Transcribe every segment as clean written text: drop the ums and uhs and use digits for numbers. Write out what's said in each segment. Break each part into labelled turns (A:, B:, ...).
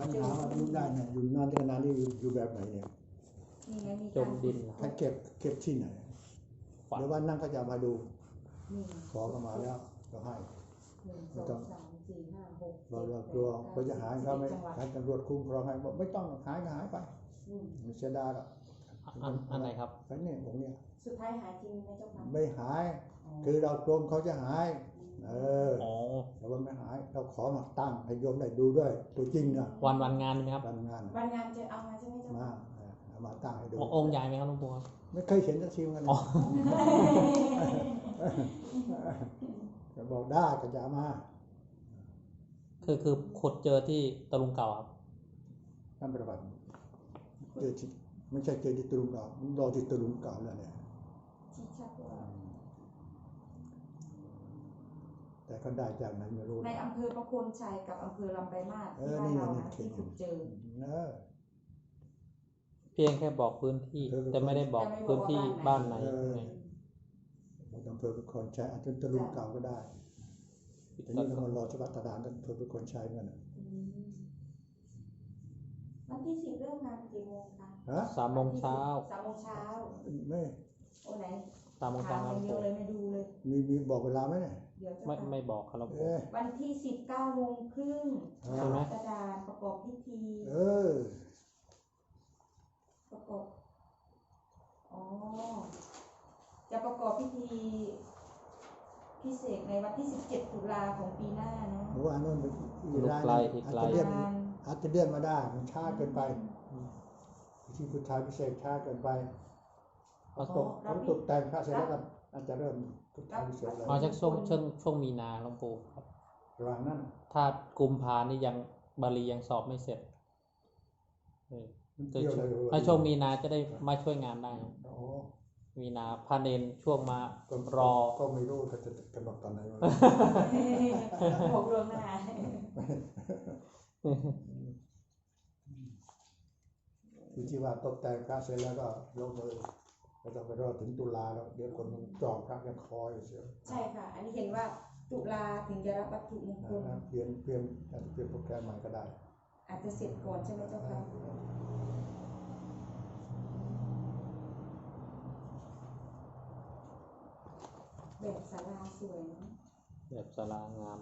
A: เจออยู่ได้เนี่ยอยู่นานขนาดนี้อยู่แบบไหนเนี่ย
B: นี่ไงมี
C: จมดิน
A: ถ้าเก็บที่ไหนเดี๋ยววันนั้นเขาจะมาดูขอเข้ามาแล้วก็ให้
B: 1 2 3 4 5 6
A: บอกว่ากลัวเขาจะหายเขาไม่ให้ตำรวจคุ้มครองให้บอกไม่ต้องหายก็หายไปไม่เสียดายหรอก
C: อันไหนครับ
A: ไอ้เนี่ยผมเนี่ย
B: สุดท้ายหายจริงไหมเจ้าค่ะ
A: ไม่หายคือเรากลัวเขาจะหายแต่ว่าไม่หายเราขอมาตั้งให้โยมได้ดูด้วยตัวจริงนะ
C: วันงานไหมครับ
A: วันงาน
B: จะเอามาใช่ไหมเจ้าค่ะ
A: มาตั้งให้ดู
C: องค์ใหญ่ไหมครับหลวงปู่
A: ไม่เคยเห็นสักทีเหมือนกันจะบอกได้ก็จะมา
C: คือขุดเจอที่ตะลุงเก่าครับ
A: นั่นประวัติเจอที่ไม่ใช่เจอที่ตะลุงเก่ามันรอที่ตะลุงเก่าแล้วเนี่ย
B: ชี้ชัดว่า
A: แต่เขาได้จากไหนไม่รู้
B: ในอำเภอประโคนชัยกับอำเภอลำปลายมาศที่บ้านเรานะที่ขุดเจอ
C: เพียงแค่บอกพื้นที่แต่ไม่ได้บอกพื้นที่บ้านไหน
A: อำเภอประโคนชัยอาจจะตะลุงเก่าก็ได้แต่นี่เรารอชวัตดานกันอำเภอประโคนชัยเหมือนกัน
B: วันที่10เริ่มงานกี่โมงคะ
C: 3 โมงเช้า
A: ไม่
B: โอ้ไหน
C: 3 โมงเช้า
B: เดียวเลยไม่ดูเลย
A: มีบอกเวลาไหมเนี่ย
C: ไม่บอกครับ
B: วันที่19 โมงครึ่งกระดานประกอบพิธีประกอบจะประกอบพิธีพิเศษในวันที่17 ตุลาของปีหน้านะ
A: ว่าโน่น
C: ลูกไกลที่ไกล
A: อาจจะเลื่อนมาได้มันช้าเกินไปที่พุทธาพิเศษช้าเกินไปเขาตกแต่งพระเสร็จแล้วกันอาจจะเริ่มพุทธาพิเศษ
C: แล้วจากช่วงมีนาหลวงปู่ครับ
A: ระหว่างนั้น
C: ถ้ากุมภานี่ยังบาลียังสอบไม่เสร็จถ้าช่วงมีนาจะได้มาช่วยงานได้มีนาพาเนนช่วงมารอ
A: ก็ไม่รู้เขาจะกำหนดตอนไหน
B: บอกล่วงหน้า
A: ที่ว่าตกแต่งพระเสร็จแล้วก็ลงมือไม่ต้องไปรอถึงตุลาแล้วเดี๋ยวคนจองพระยังคอยเสีย
B: ใช่ค่ะอันนี้เห็นว่าตุลาถึงจะรับวัตถุมงคล
A: เปลี่ยนอาจจะเปลี่ยนโปรแกรมใหม่ก็ได้
B: อาจจะเสร็จก่อนใช่ไหมเจ้าค่ะแบบศาลาสวยนะ
C: แบบศาลางาม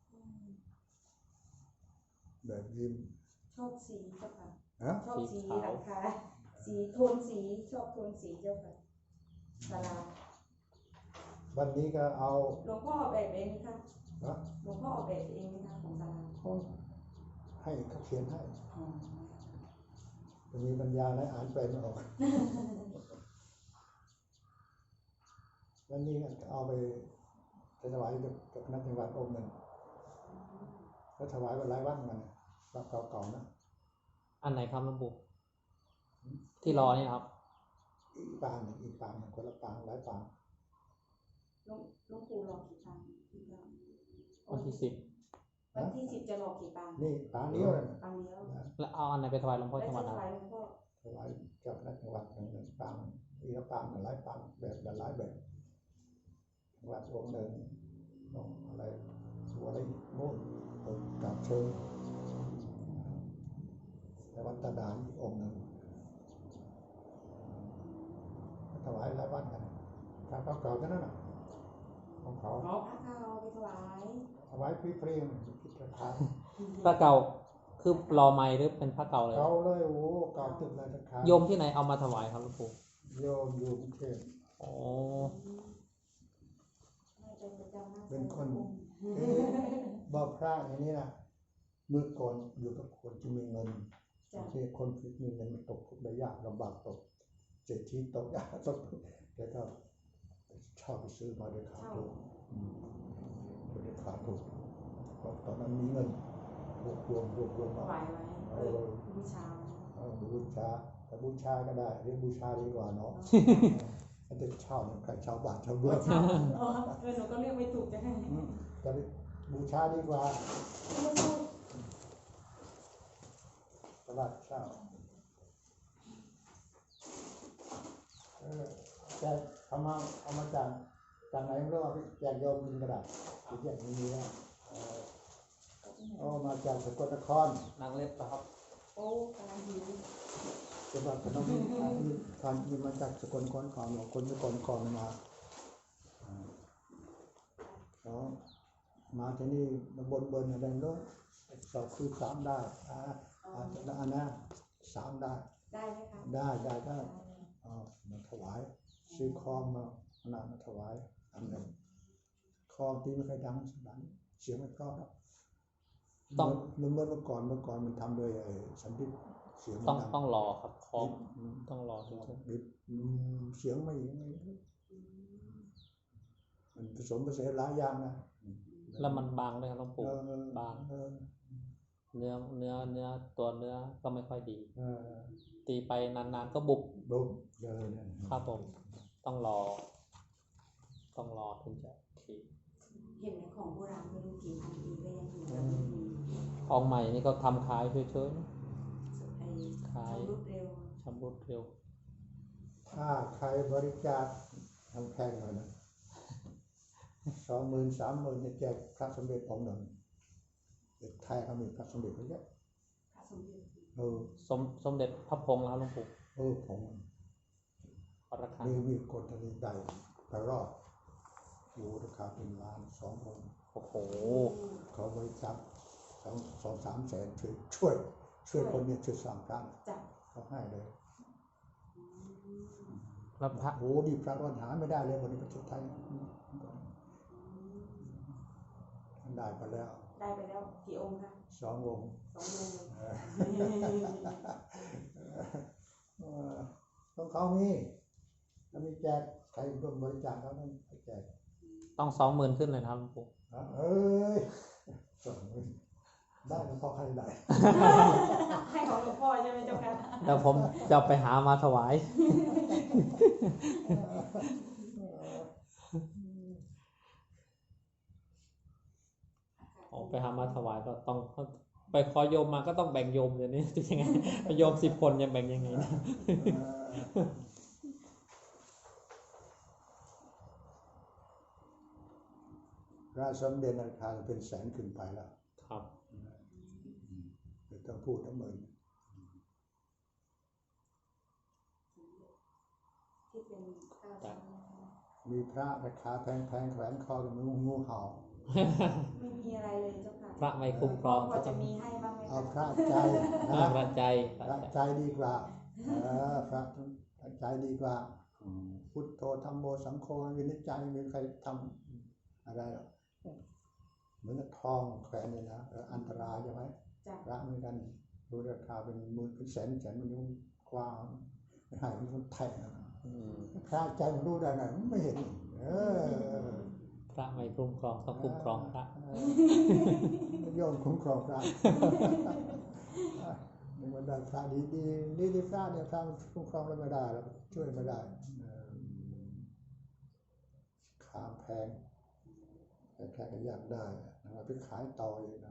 A: แบบริม
B: ชอบสีเจ้าค่ะชอบสีหลังคาสีโทนสีชอบโทนสีเจ้าค่ะศาลา
A: วันนี้ก็เอา
B: หลวงพ่อออกแบบเองไหมคะหลวงพ่อออกแบบเองไหมคะของศาลา
A: ให้เขาเขียนให้จะมีปัญญาและอ่านเป็นออกวันนี้เอาไปถวายกับคณะจังหวัดองค์หนึ่งก็ถวายวันหลายวันมันแบบเก่าๆนะ
C: อันไหนครับหลวงปู่ที่รอนี่ครับ
A: อีกปางหนึ่งคนละปางหลายปาง
B: หลวงปู่รอกี่ปาง
C: วันที่
B: 10จะรอกี่ปาง
A: นี่ปางเดียวเลย
B: ปางเดียว
C: แล้วเอาอันไหนไปถวายหลวงพ่อจังหวัด
B: นะ
A: ถวายเจ้าคณะจังหวัดหนึ่งปางอีกปางหลายปางแบบหลายแบบจังหวัดองค์หนึ่งอะไรตัวอะไรโน่นกับเชิงแต่วัดตาดานอีกองค์หนึ่งถวายหลายวันกันทางเก่าๆเท่านั้นของเขา
B: พระเก่าไปถ
A: วายฟรีๆคิดราคา
C: พระเก่าคือรอไม้หรือเป็นพระเก่าเลย
A: เก่าเลยโอ้เก่าตึกเลยราคา
C: โยมที่ไหนเอามาถวายครับหลวงปู่
A: โยมอยู่กรุงเทพเป็นคนบอกพระอย่างนี้นะเมื่อก่อนอยู่กับคนที่มีเงินที่คนที่มีเงินมันตกทุกข์ได้ยากลำบากตกเศรษฐีตกยากตกแกก็เช่าไปซื้อมาด้วยขาดทุนด้วยขาดทุนตอนนั้นมีเงินรวบมา
B: บูชา
A: แต่บูชาก็ได้เรียกบูชาดีกว่าเนาะถ้าจะเช่าเนี่ยใครเช่าบาทเช่าเบื้อง
B: หนูก็เรียกไม่ถูกจะให้
A: แต่บูชาดีกว่าตลาดเช่าแต่เอามาจากไหนไม่รู้ว่าแจกโยมกินกระดาษที่แจกมีแล้วอ๋อมาจากสกลนคร
C: นางเล็บครับ
B: โอ้กำลังหิว
A: จังหวัดพนมทานมีมาจากสกลนครก่อนคนสกลนครมาเขามาที่นี่มาบนอะไรโน้นสอบคือ3ได้อันนะ3ได้
B: ได้ไหมคะ
A: ได้มาถวายซื้อคอมมาขนาดมาถวายอันหนึ่งคอมตีไม่เคยดังสักนัดเสียงไม่เพราะนะเมื่อก่อนมันทำโดยสันติเสียงมันดัง
C: ต้องรอครับคอมต้องรอถึงจะ
A: เสียงไม่มันผสมผสานหลายอย่างนะ
C: แล้วมันบางด้วยครับหลวงปู่บางเนื้อตัวเนื้อก็ไม่ค่อยดี ตีไปนานๆก็บุบ
A: บุบเลย
C: ครับผมต้องรอถึงจะที
B: เห็นในของโบราณไม่รู้กี่พันปีก็ยังอยู่แบบนี้
C: ของใหม่นี่ก็ทำขายเฉย
B: ไอ้
C: ๆขาย
B: รวดเร็ว
C: ชำรุดเร็ว
A: ถ้าใครบริจาคทำแพงหน่อยนะ20,000 30,000จะแจกพระสมเด็จองค์หนึ่งเด็กไทยเขามีพระสมเด็จเยอะ
B: พระสมเด็จ
C: สมเด็จพระพงษ์แล้วหลวงปู่
A: ผม
C: ราคา
A: มีคนทะเลใดไปรอดอยู่ราคาเป็นล้าน2 องค์
C: โอ้โห
A: เขาบริจาค2-3 แสนช่วยคนเนี่ยช่วยสร้างพระ
B: จับ
A: เขาให้เลย
C: แล้วพระ
A: โอ้ดีพระวันหาไม่ได้เลยวันนี้ประเทศไทยได้ไปแล้ว
B: ได้ไปแล้วกี่องค์คะ
A: 2 องค์
B: 2 องค์เลย
A: ต้องเขามีถ้ามีแจกใครร่วมบริจาคเขาต้องแจก
C: ต้อง20,000ขึ้นเลยนะครับหลวงปู่
A: เอ้ยได้แล้วพอใครได้
B: ให้ของหลวงพ่อใช่ไหมเจ้าค่ะ
C: แล้วผมจะไปหามาถวายไปหามาถวายก็ต้องไปขอโยมมาก็ต้องแบ่งโยมเดี๋ยวนี้จะยังไงโยม10 คนจะแบ่งยังไงนะ
A: พระสมเด็จราคาเป็นแสนขึ้นไปแล้ว
C: ครับ
A: ไม่ต้องพูดทั้งหมด
B: ที่เป็นข้าว
A: มีพระราคาแพงแขวนคอกับงูเห่า
B: ไม่มีอะไรเลยเจ้าค่ะ
C: พระไม่คุ้มครอง
B: พอจะมีให้บ้างไหม
A: เอา
B: คะ
A: พระใจ
C: พระใจ
A: พระใจดีกว่าพระใจดีกว่าพุทโธธัมโมสังโฆวินิจใจไม่มีใครทำอะไรหรอกเหมือนกับทองแขวนเลยนะอันตรายใช่ไหม
B: จ้ะ
A: พระเหมือนกันดูราคาเป็นหมื่นเป็นแสนมันยุ่งกว้างไม่ให้มันคนแทงพระใจมันรู้ได้ไงไม่เห็น
C: พระไม่คุ้มครองต้องคุ้มครองพระ
A: โยมคุ้มครองพระนี่มันได้พระดีพระเนี่ยพระคุ้มครองแล้วไม่ได้แล้วช่วยไม่ได้ขามแพงแต่แค่ก็อยากได้เราไปขายต่ออีกนะ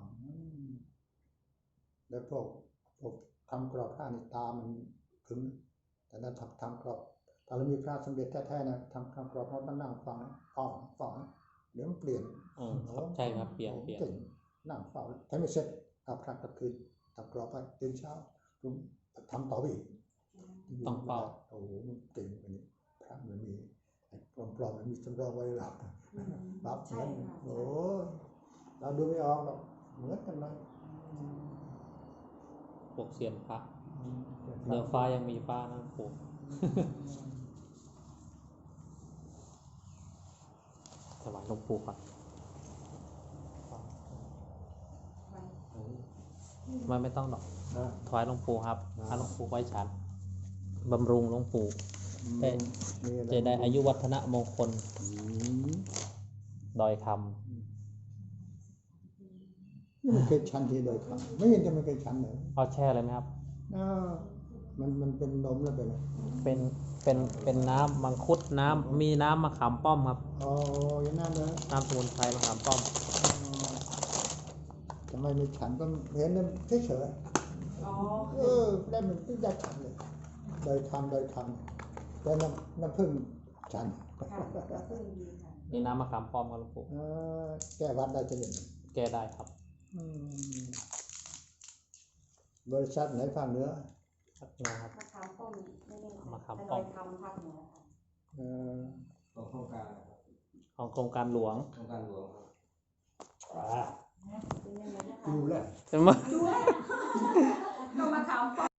A: แล้วพวกทำกรอบผ้าในตามันขึงแต่นั้นทำกรอบถ้าเรามีพระสมเด็จแท้ๆนะทำกรอบเราต้องนั่งฟังเดี๋ยวมันเปลี่ยน
C: ครับใช่ครับเปลี่ยน
A: เก่งนั่งเฝ้าถ้าไม่เสร็จเอาพระกลับคืนทำกรอบไปตื่นเช้าทำต่อไปอีก
C: ต้องเฝ้า
A: โอ้โหมันเก่งกว่านี้พระมันมีปลอมๆมันมีสำรองไว้หลับรับ
B: ใช่
A: เงิน
B: ค่ะ
A: โอ้เราดูไม่ออกหรอกเหมือนกันเลย
C: พวกเซียนพระเนื้อฟ้ายังมีฟ้านะปู่ถวายหลวงปู่ครับไม่ต้องดอกถวายหลวงปู่ครับให้หลวงปู่ไว้ฉันบำรุงหลวงปู่จะได้อายุวัฒนะมงคลดอยค
A: ไม่เคยชันที่โดยคำไม่เห็นจะไม่เคยชันเลย
C: ำเอาแช่เลยไหมครับ
A: มันเป็นนมแล้วเป็นอะไร
C: เป็นน้ำมังคุดน้ำมีน้ำมะขามป้อมครับ
A: อ๋ออย่างนั้นเลย
C: น้ำสมุนไพรมะขามป้อม
A: ทำไมไม่ฉันก็เห็นมันเฉย
B: อ๋อ
A: ได้มันไม่ได้ฉันเลยโดยคำแต่น้ำผึ้งฉัน
B: ค่ะพึ่งดีค่ะ
C: นี่น้ำมะขามป้อมครับหลวงปู่
A: แก้วัดได้จะเห็น
C: แก้ได้ครับ
A: บริษัทไหนภาคเหนือ
C: พักนะครับ
B: มะขามป้อมไม่ได้
C: มะขาม
B: อ
C: ป้
B: ร่
C: อ
B: อ
C: ม
B: ยทำภาคเหนือค่ะ
A: เอ่อ
D: ของโครงการนะครับ
C: ของโครงการหลวง
D: โครงการหลวงครับ
B: เป็นยังไงนะคะ
A: ดูแล
C: ใช่ไหม
B: ด้วยก็มะขามป้อม